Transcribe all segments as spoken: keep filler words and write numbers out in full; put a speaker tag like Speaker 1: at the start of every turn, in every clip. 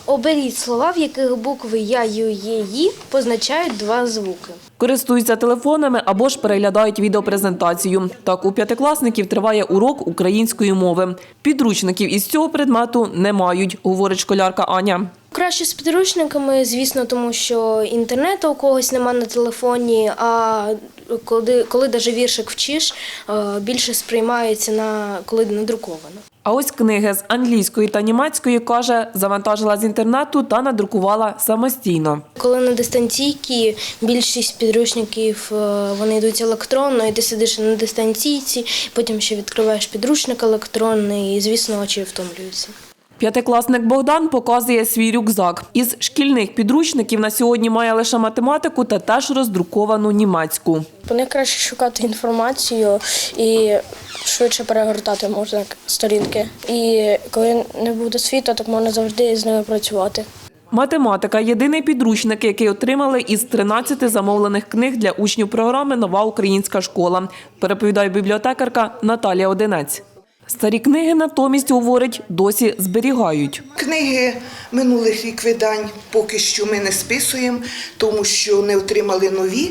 Speaker 1: Оберіть слова, в яких букви Я, Ю, Є, Ї позначають два звуки.
Speaker 2: Користуються телефонами або ж переглядають відеопрезентацію. Так, у п'ятикласників триває урок української мови. Підручників із цього предмету не мають, говорить школярка Аня.
Speaker 1: Краще з підручниками, звісно, тому що інтернету у когось нема на телефоні, а коли, коли навіть віршик вчиш, більше сприймається, на, коли надруковано.
Speaker 2: А ось книги з англійської та німецької, каже, завантажила з інтернету та надрукувала самостійно.
Speaker 1: Коли на дистанційці, більшість підручників вони йдуть електронно, і ти сидиш на дистанційці, потім ще відкриваєш підручник електронний, і, звісно, очі втомлюються.
Speaker 2: П'ятикласник Богдан показує свій рюкзак. Із шкільних підручників на сьогодні має лише математику та теж роздруковану німецьку.
Speaker 1: По них краще шукати інформацію і швидше перегортати можна сторінки. І коли не буде світу, так можна завжди з ними працювати.
Speaker 2: Математика – єдиний підручник, який отримали із тринадцяти замовлених книг для учнів програми «Нова українська школа», переповідає бібліотекарка Наталія Одинець. Старі книги, натомість, говорить, досі зберігають.
Speaker 3: Книги минулих рік видань поки що ми не списуємо, тому що не отримали нові,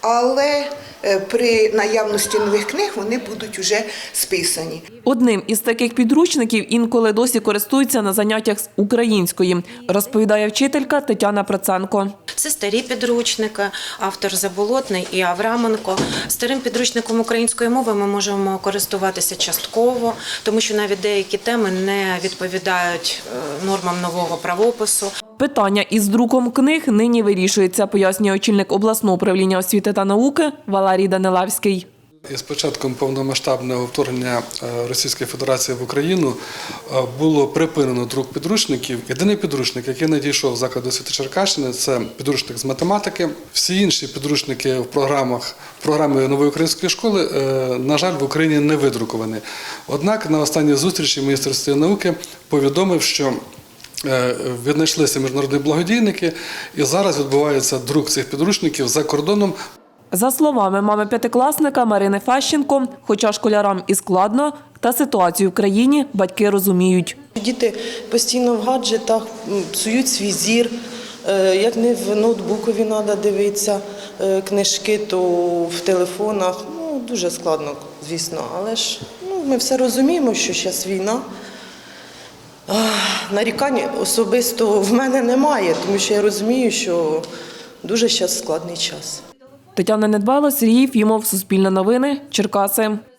Speaker 3: але при наявності нових книг вони будуть вже списані.
Speaker 2: Одним із таких підручників інколи досі користуються на заняттях з української, розповідає вчителька Тетяна Проценко.
Speaker 4: Це старі підручники, автор Заболотний і Авраменко. Старим підручником української мови ми можемо користуватися частково, тому що навіть деякі теми не відповідають нормам нового правопису.
Speaker 2: Питання із друком книг нині вирішується, пояснює очільник обласного управління освіти та науки Валерій Данилевський.
Speaker 5: Із початком повномасштабного вторгнення Російської Федерації в Україну було припинено друк підручників. Єдиний підручник, який надійшов в заклад освіти Черкащини, це підручник з математики. Всі інші підручники в програмах в програмі нової української школи, на жаль, в Україні не видруковані. Однак на останній зустрічі міністр освіти і науки повідомив, що віднайшлися міжнародні благодійники, і зараз відбувається друк цих підручників за кордоном.
Speaker 2: За словами мами п'ятикласника Марини Фещенко, хоча школярам і складно, та ситуацію в країні батьки розуміють.
Speaker 6: Діти постійно в гаджетах псують свій зір, як не в ноутбукові треба дивитися книжки, то в телефонах. Ну, дуже складно, звісно, але ж ну, ми все розуміємо, що зараз війна. Нарікань особисто в мене немає, тому що я розумію, що дуже зараз складний час.
Speaker 2: Тетяна Недбайло, Сергій Єфімов, Суспільне новини, Черкаси.